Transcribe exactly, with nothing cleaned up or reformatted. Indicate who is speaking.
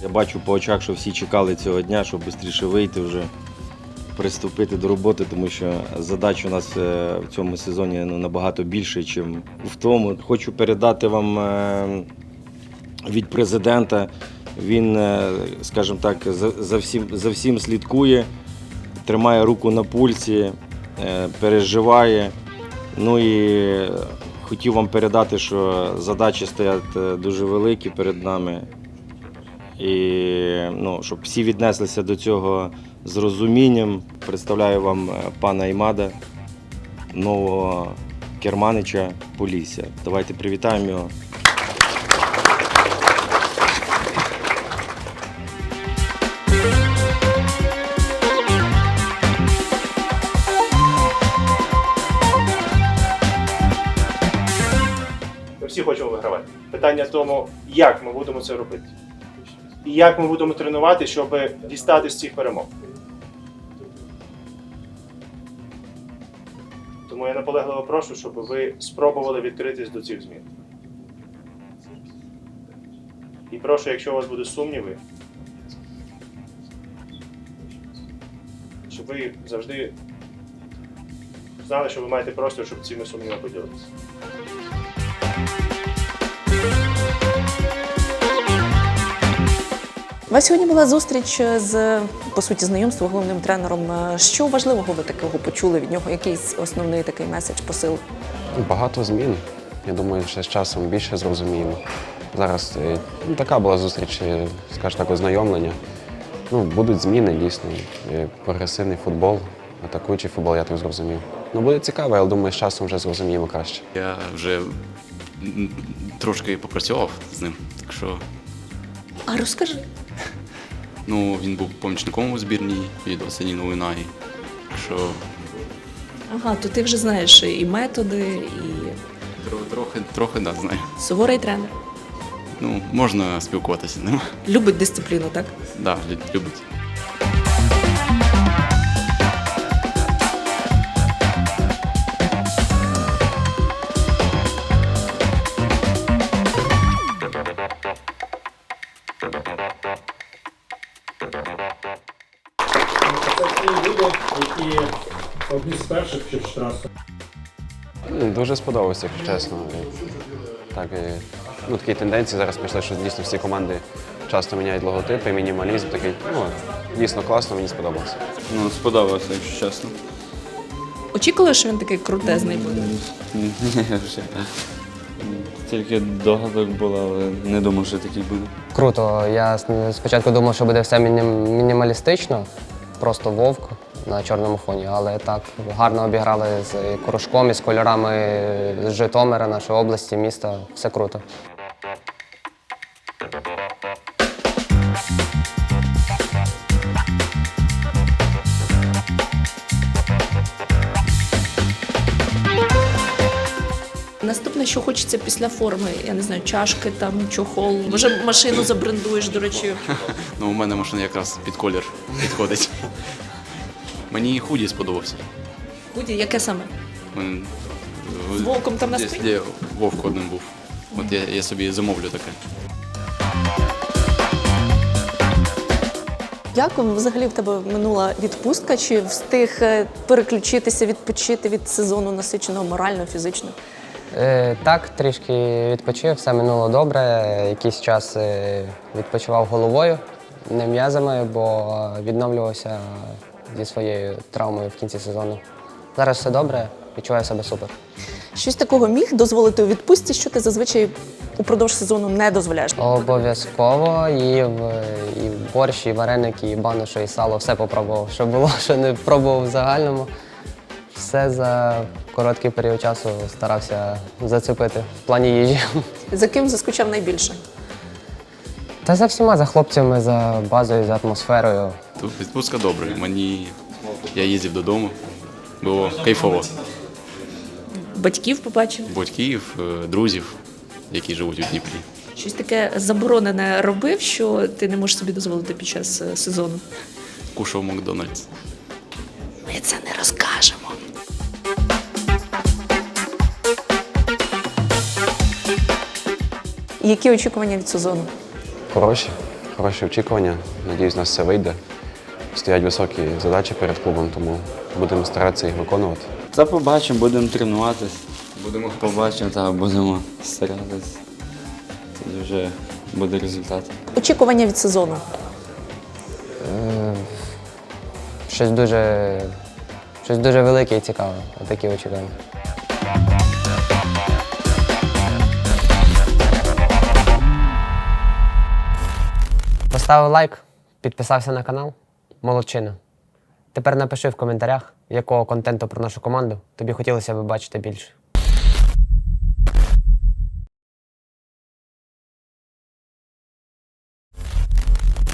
Speaker 1: бачу по очах, що всі чекали цього дня, щоб швидше вийти вже, приступити до роботи, тому що задач у нас в цьому сезоні ну, набагато більше, ніж в тому. Хочу передати вам від президента. Він, скажімо так, за всім, за всім слідкує, тримає руку на пульсі, переживає. Ну і хотів вам передати, що задачі стоять дуже великі перед нами. І ну, щоб всі віднеслися до цього з розумінням. Представляю вам пана Імада, нового керманича Полісся. Давайте привітаємо його.
Speaker 2: Ми всі хочемо вигравати. Питання в тому, як ми будемо це робити. І як ми будемо тренувати, щоб дістати з цих перемог. Тому я наполегливо прошу, щоб ви спробували відкритись до цих змін. І прошу, якщо у вас будуть сумніви, щоб ви завжди знали, що ви маєте простір, щоб цими сумнівами поділитися.
Speaker 3: У вас сьогодні була зустріч з, по суті, знайомство головним тренером. Що важливого ви такого почули від нього? Якийсь основний такий меседж, посил?
Speaker 4: Багато змін. Я думаю, що з часом більше зрозуміємо. Зараз ну, така була зустріч, скажімо так, ознайомлення. Ну, будуть зміни, дійсно. Прогресивний футбол, атакуючий футбол, я так зрозумів. Ну, буде цікаво, але думаю, з часом вже зрозуміємо краще.
Speaker 5: Я вже трошки попрацював з ним, так що...
Speaker 3: А розкажи.
Speaker 5: Ну, він був помічником у збірній від Осені Новинаї, так що...
Speaker 3: Ага, то ти вже знаєш і методи, і...
Speaker 5: Трохи, трохи, да, знаю.
Speaker 3: Суворий тренер.
Speaker 5: Ну, можна спілкуватися з ним.
Speaker 3: Любить дисципліну, так?
Speaker 5: Так, да, любить.
Speaker 6: Це ті люди, які одні з перших чи штрафи.
Speaker 4: Дуже сподобався, якщо чесно. Так, ну, такі тенденції зараз пішли, що дійсно всі команди часто міняють логотипи, мінімалізм такий. Ну, дійсно класно, мені сподобалося.
Speaker 7: Ну, сподобалося, якщо чесно.
Speaker 3: Очікували, що він такий крутезний буде?
Speaker 7: Ні, вже. Тільки догадок було, але не думав, що такий буде.
Speaker 8: Круто. Я спочатку думав, що буде все міні- мінімалістично, просто вовк на чорному фоні, але так гарно обіграли з кружком і з кольорами з Житомира, нашої області, міста. Все круто.
Speaker 3: Наступне, що хочеться після форми, я не знаю, чашки, там, чохол. Може, машину забрендуєш, до речі.
Speaker 5: Ну, у мене машина якраз під колір підходить. Мені худі сподобався.
Speaker 3: Худі, яке саме?
Speaker 5: Мен-
Speaker 3: З вовком там на
Speaker 5: Десь,
Speaker 3: спині?
Speaker 5: де вовк одним був. От я, я собі замовлю таке.
Speaker 3: Як взагалі в тебе минула відпустка? Чи встиг е, переключитися, відпочити від сезону насиченого морально, фізично?
Speaker 8: Е, так, трішки відпочив, все минуло добре. Якийсь час е, відпочивав головою, не м'язами, бо відновлювався зі своєю травмою в кінці сезону. Зараз все добре, відчуваю себе супер.
Speaker 3: Щось такого міг дозволити у відпустці, що ти зазвичай упродовж сезону не дозволяєш?
Speaker 8: Обов'язково їв і борщ, і вареники, і баношу, і сало, все попробував, що було, що не пробував в загальному. Все за короткий період часу старався зацепити в плані їжі.
Speaker 3: За ким заскучав найбільше?
Speaker 8: Та за всіма, за хлопцями, за базою, за атмосферою.
Speaker 5: Тут відпустка добра. Мені я їздив додому. Було кайфово.
Speaker 3: Батьків побачив?
Speaker 5: Батьків, е, друзів, які живуть у Дніпрі.
Speaker 3: Щось таке заборонене робив, що ти не можеш собі дозволити під час е, сезону?
Speaker 5: Кушав Макдональдс.
Speaker 3: Ми це не розкажемо. Які очікування від сезону?
Speaker 4: Хороші, хороші очікування. Надіюсь, у нас все вийде. Стоять високі задачі перед клубом, тому будемо старатися їх виконувати.
Speaker 7: Та побачимо, будемо тренуватись. Будемо побачимо, та будемо старатись. Тоді вже буде результат.
Speaker 3: Очікування від сезону.
Speaker 8: Е, Щось дуже, щось дуже велике і цікаве. Отакі очікування. Поставив лайк, підписався на канал. Молодчина. Тепер напиши в коментарях, якого контенту про нашу команду тобі хотілося б бачити більше.